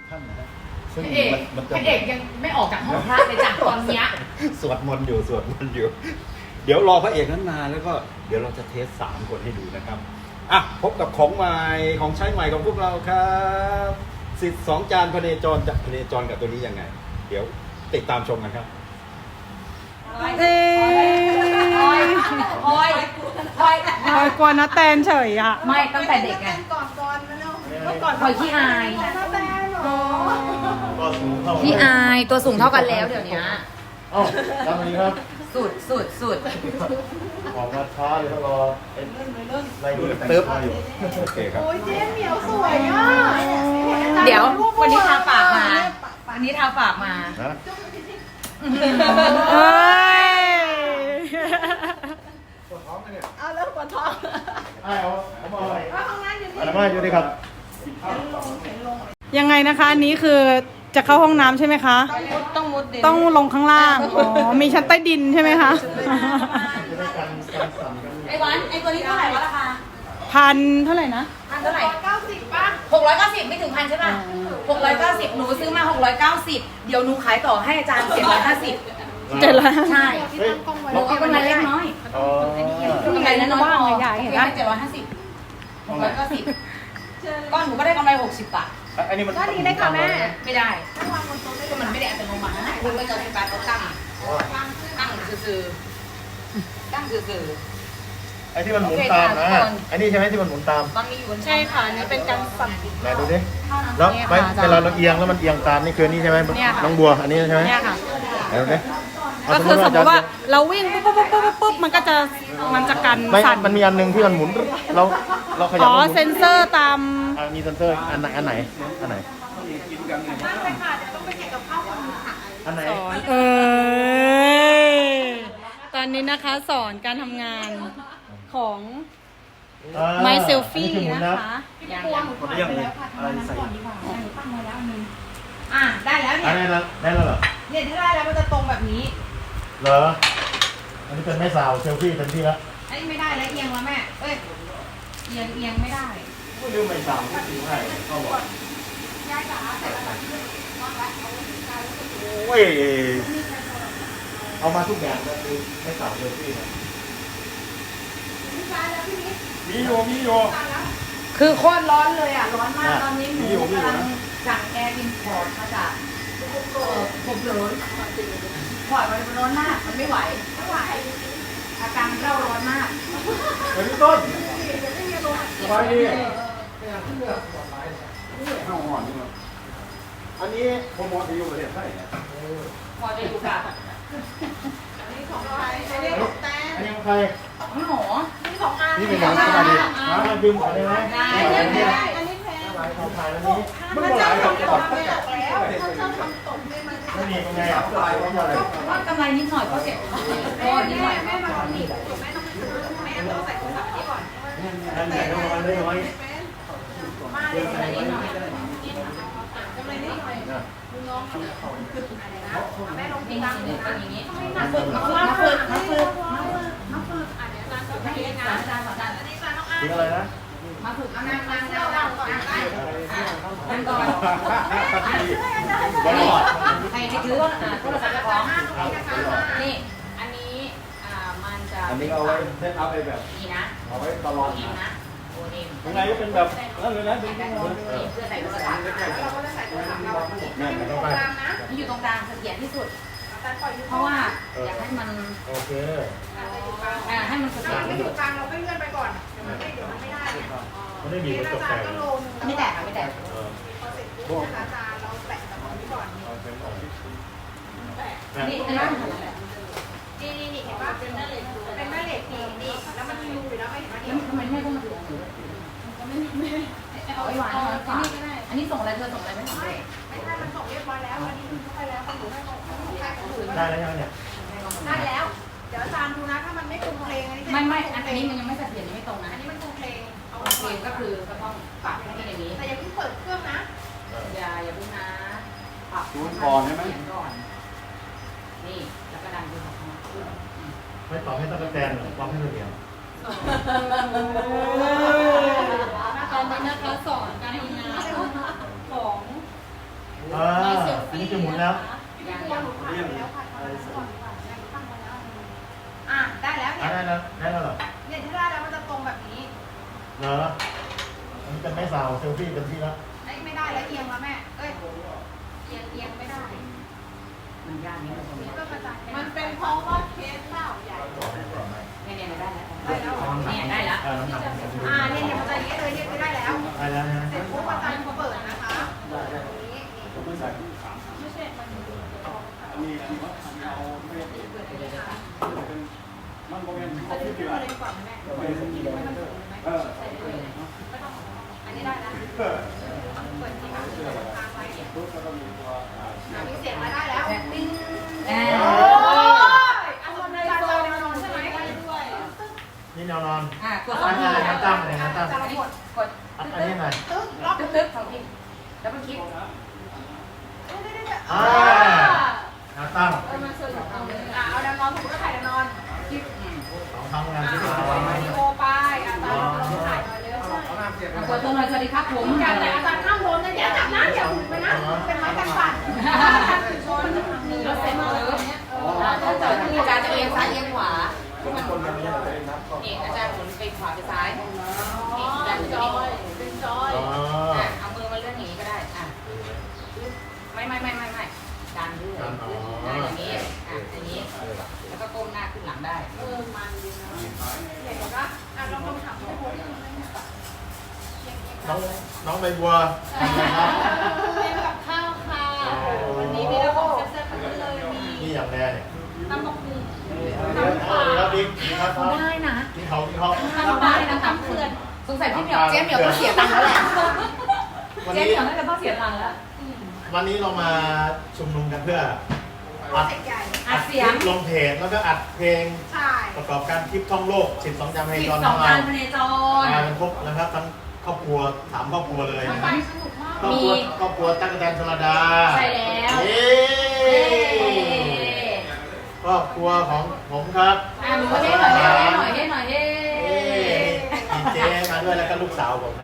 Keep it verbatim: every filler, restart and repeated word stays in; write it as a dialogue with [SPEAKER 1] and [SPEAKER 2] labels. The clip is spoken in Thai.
[SPEAKER 1] ท่านนะซึ่ง
[SPEAKER 2] พระเอกพระเอกยังไม่ออกจากห้องพระเลยจากตอนเนี้ย
[SPEAKER 1] สวดมนต์อยู่สวดมนต์อยู่เดี๋ยวรอพระเอกนั้นมาแล้วก็เดี๋ยวเราจะเทสสามคนให้ดูนะครับอ่ะพบกับของใหม่ของใช้ใหม่ของพวกเราครับสิทธิ์สองจานพเนจรจะพเนจรกับตัวนี้ยังไงเดี๋ยวติดตามชมกันครับ
[SPEAKER 3] เอ้ย
[SPEAKER 2] พลอยพลอยพลอย
[SPEAKER 3] พลอยกลัวนะแตนเฉยอ่ะ
[SPEAKER 2] ไม่ตั้งแต่เด็กไง
[SPEAKER 4] ก่อนก่อนมาเร็วเมื่อก่อน
[SPEAKER 2] พลอยขี้อาย
[SPEAKER 4] น้าแตนเหรอ
[SPEAKER 2] ขี้อายตัวสูงเท่ากันแล้วเดี๋ยวนี้
[SPEAKER 5] เอ้าทำนี้ครับ
[SPEAKER 2] สุดสุดสุด
[SPEAKER 5] ออกมาช้าเลยครับรอเป็นไรดูแต่ง
[SPEAKER 1] ตึ๊บ
[SPEAKER 5] ตัวอยู่
[SPEAKER 1] โอเคครับ
[SPEAKER 4] โอ้ยเจ๊เหมียวสวยอ่ะ
[SPEAKER 2] เดี๋ยววันนี้ทาปากมาวันนี้ทาปากมา
[SPEAKER 5] นะ
[SPEAKER 3] เอ้ย
[SPEAKER 4] เอาแล้วปวดท้อง
[SPEAKER 5] ไอ้เอาเอามาอะไร
[SPEAKER 4] เอาห้องน้ำอยู่นี่
[SPEAKER 5] อะไรมาอยู่ดีครับ
[SPEAKER 3] ยังไงนะคะอันนี้คือจะเข้าห้องน้ำใช่ไหมคะ
[SPEAKER 4] ต้องมุดดิน
[SPEAKER 3] ต้องลงข้างล่าง อ๋อ มีชั้นใต้ดินใช่ไหมคะ
[SPEAKER 5] จะได้กันกันสั่นกัน
[SPEAKER 2] ไอ้วันไอ้ตัวนี้เท่าไหร่วะราคา
[SPEAKER 3] พันเท่าไหร่นะ
[SPEAKER 2] พันเท่าไหร่
[SPEAKER 4] เก้าสิบป่ะ
[SPEAKER 2] หกร้อยเก้าสิบไม่ถึงพันใช่ป่ะหกร้อยเก้าสิบหนูซื้อมาหกร้อยเก้าสิบเดี๋ยวหนูขายต่อให้อาจารย์เจ็ดร้อยห้าสิบ
[SPEAKER 3] เจ็ดล้าน
[SPEAKER 2] ใช่
[SPEAKER 5] เฮ้ย
[SPEAKER 2] หนูเอากำไรเล็กน้อย
[SPEAKER 5] อ๋อก
[SPEAKER 2] ำไรน้อย
[SPEAKER 3] ว่างใหญ่เห็นปะ
[SPEAKER 2] เจ็ดร้อยห้าสิบหกร้อยเก้าสิบก้อนหนูก็ได้กำไรหกสิบบาท
[SPEAKER 5] อันนี้มัน
[SPEAKER 4] ก็ดีได้ค่ะแม่
[SPEAKER 2] ไม่ได้ก็มันไม่ได้อัตโนมัตินะคุณไม่เจอไฟฟ้าเขาตั้งตั้งซื่อๆตั้งซื่อ
[SPEAKER 5] ไอ้ที่มันหมุนตามนะไอ้นี่ใช่ไหมที่มันหมุนตาม
[SPEAKER 2] ๆตอนนี้อยู่บน
[SPEAKER 3] ใช่ค่ะนี่เป็นการสั่น
[SPEAKER 5] ไหนดูดิแล้วไม่เวลาเราเอียงแล้วมันเอียงตามนี่คือนี่ใช่ไหม
[SPEAKER 3] เนี่ยค่ะ
[SPEAKER 5] น้องบัวอันนี้ใช่ไหม
[SPEAKER 3] เนี่ยค่ะ
[SPEAKER 5] ไหนดูดิเา
[SPEAKER 3] ก็คือสมมติว่า
[SPEAKER 5] จะ
[SPEAKER 3] เราวิ่งปุ๊บปุ๊บปุ๊บปุ๊บปุ๊บมันก็จะมันจะกัน
[SPEAKER 5] ไม่
[SPEAKER 3] สั่น
[SPEAKER 5] มันมีอันหนึงที่มันหมุนเราเราขยับ
[SPEAKER 3] อ๋อ
[SPEAKER 5] แล้วหมุน
[SPEAKER 3] เซนเซอร์ตาม
[SPEAKER 5] อ่ะมีเซนเซอร์อันไหนอันไหนอันไหนอันไหน
[SPEAKER 3] สอนเออตอนนี้นะคะสอนการทำงานของ
[SPEAKER 5] อ่า
[SPEAKER 3] ไมเซลฟี่
[SPEAKER 5] อัหมุ
[SPEAKER 3] นะคะ
[SPEAKER 2] ยัง
[SPEAKER 5] มันเรียกอะไรอะไรใส่
[SPEAKER 2] อ่ะได้แล้ว
[SPEAKER 5] อั
[SPEAKER 2] เนี่
[SPEAKER 5] น
[SPEAKER 2] ย
[SPEAKER 5] นี้แล้วได้แล้วเหรอ
[SPEAKER 2] เนี่ยถ้าได้แล้วมันจะตรงแบบนี้
[SPEAKER 5] เหรออันนี้เป็นแม่สาวเซลฟี่เต็มที่แล้ว
[SPEAKER 2] ไอ้ไม่ได้แล้วเอียงแล้วแม่เอ้ยเอียงเอียงไม่ได้
[SPEAKER 5] ไม่ลืมแม่สาวที่ถือให้เขาบอกโอ้ยเอามาทุกอย่างเลยคือแม่สาวเซลฟี่นะมีโยมีโย
[SPEAKER 2] คือโคตรร้อนเลยอ่ะร้อนมากตอนนี้หนูกำลังสั่งแอร์อินพอร์ตมาจากเอ่อผมร้อนพอร์ตมันร้อนมากมันไม่ไหวไม่ไหวอาการเร่าร้อนมาก
[SPEAKER 5] เฮ้ยต้นสบายดีอันนี้โปรโมทอยู่ประเทศไทยเนี่ย
[SPEAKER 2] พอจะอยู่กับ
[SPEAKER 4] อันนี้ของใครอันนี้ของแตน
[SPEAKER 5] อันนี้ของใคร
[SPEAKER 2] น้องหมอ
[SPEAKER 4] นี่ของอา
[SPEAKER 5] นี่เป็นหนังสบายดีมาดึงก่อนได้ไหม
[SPEAKER 2] ได้
[SPEAKER 4] อัน
[SPEAKER 2] ได้
[SPEAKER 4] นี้
[SPEAKER 2] ได้
[SPEAKER 4] อันนี้แพง
[SPEAKER 5] ลายเขาถ่ายแล้วนี้
[SPEAKER 4] ถ้าเจ้าทำตกแล้วถ้าเจ้าทำตกเนี่ยมันจะ
[SPEAKER 5] ไม่มีเป็นไงอ่ะลายเขาอะไร
[SPEAKER 2] ว่ากำไรนิดหน่อยก็เก็บก็นิดหน่อย
[SPEAKER 4] แม่มาหนีบถูกแม่ต้องไปซื้อแม่ต้องใส่โทรศัพท์นี้ก่อน
[SPEAKER 5] นั่นแหละน้อยน้อยน้อย
[SPEAKER 4] มาเลยกำไรนิดหน่อยกำไรนิดหน่อยดูน้องเขาแม่ลง
[SPEAKER 2] นี่
[SPEAKER 4] ตังค์
[SPEAKER 2] นี่เป็นอย่างนี้
[SPEAKER 4] มาฝึกมาฝึกมาฝึกมาฝึกมาฝึกอ่ะเดี๋ยวร้านต่อไปนะ
[SPEAKER 2] อาจารย์สอนอาจารย์
[SPEAKER 4] อันนี้ร้านน้องอา
[SPEAKER 5] กินอะไรนะ
[SPEAKER 2] มาฝึก
[SPEAKER 4] เอา
[SPEAKER 2] เอา
[SPEAKER 4] นั่
[SPEAKER 2] นั่
[SPEAKER 4] ง
[SPEAKER 2] ง
[SPEAKER 4] นั่
[SPEAKER 2] นั่
[SPEAKER 4] ง
[SPEAKER 2] ง
[SPEAKER 4] นั่
[SPEAKER 2] นั่
[SPEAKER 4] ง
[SPEAKER 2] ง
[SPEAKER 4] ก่อน
[SPEAKER 2] นั่งก่อน
[SPEAKER 5] บอล
[SPEAKER 2] ใครที่ถือว่าโทรศัพท์เจ้าของ
[SPEAKER 4] นี่
[SPEAKER 2] นี่ อันนี้อ่ามันจะ
[SPEAKER 1] อันนี้เอาไว้เซตอัพไปแบบ
[SPEAKER 2] นี่นะ
[SPEAKER 1] เอาไว้ตลอด
[SPEAKER 2] โอเอ็มนะโอเอ็ม
[SPEAKER 1] ข้างในก็เป็นแบบนั่นเลยนะดึง
[SPEAKER 2] แต่
[SPEAKER 1] ๆ
[SPEAKER 2] โอ
[SPEAKER 1] เลย
[SPEAKER 2] เอ็มเพื่อใส่โทรศัพท์
[SPEAKER 4] เราก็จะใส่โทรศัพท์เราอันนี้
[SPEAKER 1] นั่น
[SPEAKER 4] ต
[SPEAKER 1] นะ
[SPEAKER 4] รงกลางนะ
[SPEAKER 2] นี่อยู่ตรงกลางเสถียรที่สุด
[SPEAKER 4] แต่ปล่อยอยู่
[SPEAKER 2] เพราะว่าอยากให้มัน
[SPEAKER 5] โอเค
[SPEAKER 2] อ่าให้มันเสถียร
[SPEAKER 4] ไม่
[SPEAKER 2] ที่
[SPEAKER 4] อ
[SPEAKER 2] สุ
[SPEAKER 4] ยู่
[SPEAKER 2] ด
[SPEAKER 4] กลางเราก็เลื่อนไปก่อนเดี๋ยวมันไม่เดี๋ยวมันไม่ได้เนี่ย
[SPEAKER 5] มันไม่มี
[SPEAKER 4] นี่
[SPEAKER 5] กระจ
[SPEAKER 4] อาก จารย์
[SPEAKER 5] แตก
[SPEAKER 4] ก็ลง
[SPEAKER 2] ไม่แตกค่ะไม่แตก
[SPEAKER 5] เออ
[SPEAKER 4] พอเสร็จปุ๊บนะคะอาจารย์เราแปะกับของนี้ก่อนแปะ
[SPEAKER 2] นี่อันนั้นแหละ
[SPEAKER 4] นี่นี่นี่เห็นป่ะเป็นแม่เหล็กเป็นแม่เหล็กนี่นี่แล้วมันมีรูอยู่แล้วไม่เห็นป่ะนี่
[SPEAKER 2] ทำไมแม่ต้องมาถือถือเอาไว้หวานเอาไว้ฝากอันนี้ส่งอะไรเธอส่งอะไรไม่ส่งเล
[SPEAKER 4] ไม่
[SPEAKER 2] ย
[SPEAKER 4] ไม่ใช่มันส่งเรียบร้อยแล้วอันนี้คือเข้าไปแล้วของหนูให้ของของใครของหนูก็
[SPEAKER 5] ได้
[SPEAKER 4] ได้
[SPEAKER 5] แล้วยังเนี่ย
[SPEAKER 4] ได้แล้ว เดี๋ยวอาจารย์ดูนะถ้ามันไม่ตรงเพลงอันนี้
[SPEAKER 2] ไม่ไม่อันนี้มันยังไม่เสถียรยังไม่ตรงนะ
[SPEAKER 4] อันนี้มันตรงเพลงเอา
[SPEAKER 2] โอเคก็คือก็ต้องปรับให้อย่างนี้
[SPEAKER 4] แต่อย่าเพิ่งเปิดเครื่องนะ
[SPEAKER 2] อย่าอย่าเพิ่งนะปรับ
[SPEAKER 1] ดูก่อนใช่ไหม
[SPEAKER 2] เขียนก่อนนี่แล้วก็ดันดูของมา
[SPEAKER 5] ไม่ตอบให้ตั้งแต่แตนหรอกตอบให้เดียว
[SPEAKER 3] ตอนนี้นะคะสอนการทำงานของ
[SPEAKER 5] จะหมุนแล้ว
[SPEAKER 4] พี่บัวหนูถ่ายไปแล้วค่ะทำแล้วก่อนดีกว่าแม่หนูตั้งไว้แล้วอ่ะได้แล้ว
[SPEAKER 5] อ่ะ
[SPEAKER 4] เนี่ย
[SPEAKER 5] ได้แล้วได้แล้วเหรอ
[SPEAKER 4] เนี่ยที่ได้แล้วมันจะตรงแบบนี้
[SPEAKER 5] เหรออันนี้เป็นไม่สาวเซลฟี่เป็นที่แล้ว
[SPEAKER 4] ไม่ไม่ได้แล้วเอียงแล้วแม่เอ้ยเอียงเอียงไม่ได้
[SPEAKER 2] มันยากนิดนึง
[SPEAKER 4] นี่ก็กระจายมันเป็นเพราะว่าเคสเปล่าใหญ่
[SPEAKER 2] เนี่ยเนี่ยได้แล้ว
[SPEAKER 4] ได้แล้วเหรอ
[SPEAKER 2] เนี่ยได้แล้ว
[SPEAKER 5] อ่าน้ำหนัก
[SPEAKER 4] อ่าเนี่ยเนี่ยมันจะอย่างนี้เลยเนี่ยคือได้แล้ว
[SPEAKER 5] ได้แล้วนะ
[SPEAKER 4] เสร็จปุ๊บอาจารย์เปิดนะคะตรงนี้ไม่ใช่มัน
[SPEAKER 1] มีอันนี้เอาไม่ได้
[SPEAKER 4] เปิดเลยค่ะ
[SPEAKER 1] มันก็เป็น
[SPEAKER 4] อันนี้ขึ้นมาเลยดีกว่าแม่ไม่ต้องเปิดเลยไหมใส่เลยไม่ต้องอันนี้ได้แล้วเปิดที่ค่ะค้างไว้อ่ามีเสียงมาได้แล้วติ้ง
[SPEAKER 2] เอ
[SPEAKER 4] โอ้
[SPEAKER 2] อย
[SPEAKER 4] อันนอนเลยโซนนอนใช่ไหมได้ด้วย
[SPEAKER 5] นี่แนวนอน
[SPEAKER 2] อ่ะกด
[SPEAKER 5] อันนี้อะไรน้ำตั้งอะไรน้ำตั้ง
[SPEAKER 4] จะหมด
[SPEAKER 2] กด
[SPEAKER 5] อันนี้ไหน
[SPEAKER 4] ตึ๊กล็อก
[SPEAKER 2] ตึ๊กตึ๊กสองทีแล้วมันคลิก
[SPEAKER 5] อ่าน้ำตั้ง
[SPEAKER 4] เออมันสนุกเอาเลยอ่ะเอาแนวนอนผมก็ถ่ายแนวนอน
[SPEAKER 2] คลิกอืม
[SPEAKER 5] สองครั้งงาน
[SPEAKER 4] อ่ะ
[SPEAKER 5] ที่มา
[SPEAKER 4] วิดีโอไปอาจารย์ลองถ่ายหน่อยเร็ว
[SPEAKER 2] อ่ะกดตัวหน่อยสวัสดีครับผม
[SPEAKER 4] อย่าแต่อาจารย์ห้ามโดนนะอย่าจับนะอย่าหุ่นไปนะเป็นไม้กันปั่นชนหนึ่ง
[SPEAKER 2] รถเซ็นเตอร์ถ้าเกิดที่อาจารย์จะเอียงซ้ายเอียงขวาที่มันนี่อาจารย์หมุนไปขวาไปซ้ายนี่อาจารย์จะ
[SPEAKER 4] จ
[SPEAKER 2] นี่
[SPEAKER 4] อยเป็นจอย
[SPEAKER 5] อ๋อ
[SPEAKER 2] อ่ะเอามือมาเลื่อนอย่างนี้ก็ได้อ่ะไม่ไม่ไม่ไม่ไม่ดันด้วยอ่ะอย่างนี้อ่ะอย่างนี้แล้วก็ก้มหน้าขึ้นหลังได้
[SPEAKER 4] เออมันดีนะเห็นปะอ่ะลองลองถามพี่โบ๊ท
[SPEAKER 5] น้องน้องใบบัวทำอะไรครับ
[SPEAKER 4] เป็นกับข้าวค่ะวันนี้มีระบบแซ่บๆทั้งนั้นเลยมี
[SPEAKER 5] นี่อย่างแรกเนี่ย
[SPEAKER 4] น้ำมะกรูด
[SPEAKER 5] แล้วบิ๊กครับ
[SPEAKER 2] ได้นะ
[SPEAKER 5] กินเขากินเขา
[SPEAKER 2] ทำได้นะตามเพื่อนสงสัยพี่เหมียวเจ๊เหมียวต้องเสียตังค์แล้วแหละ
[SPEAKER 5] วัน
[SPEAKER 2] เจ๊
[SPEAKER 5] นี้
[SPEAKER 2] เหมียวน่าจะต้องเสียตังค์แล้ว
[SPEAKER 5] วันนี้เรามาชุมนุมกันเพื่ออัด
[SPEAKER 4] เสกใหญ่
[SPEAKER 2] อัดเสียง
[SPEAKER 5] ลงเพจแล้วก็อัดเพลง
[SPEAKER 4] ใช่
[SPEAKER 5] ประกอบการคลิปท่องโลกสิบสองจำให้
[SPEAKER 2] สิบ
[SPEAKER 5] จอน
[SPEAKER 2] ส
[SPEAKER 5] ข
[SPEAKER 2] อ
[SPEAKER 5] อง ง
[SPEAKER 2] กา
[SPEAKER 5] เรา
[SPEAKER 2] รพเนจร
[SPEAKER 5] มากันครบนะครับทั้งครอบครัวสามครอบครัวเลย
[SPEAKER 4] มัน
[SPEAKER 5] นะ
[SPEAKER 4] ไป
[SPEAKER 5] ครับ
[SPEAKER 4] สนุกมาก
[SPEAKER 5] ครอบครัวครอบครัวตั๊กแตนชลดา
[SPEAKER 2] ใช่แล้ว
[SPEAKER 5] เย้ครอบครัวของผมครับ
[SPEAKER 2] อ่ะหนูเฮ้หน่อยเฮ้หน่อยเฮ้หน่อยเฮ้
[SPEAKER 5] เย้มีเจ๊มาด้วยแล้วก็ลูกสาวผม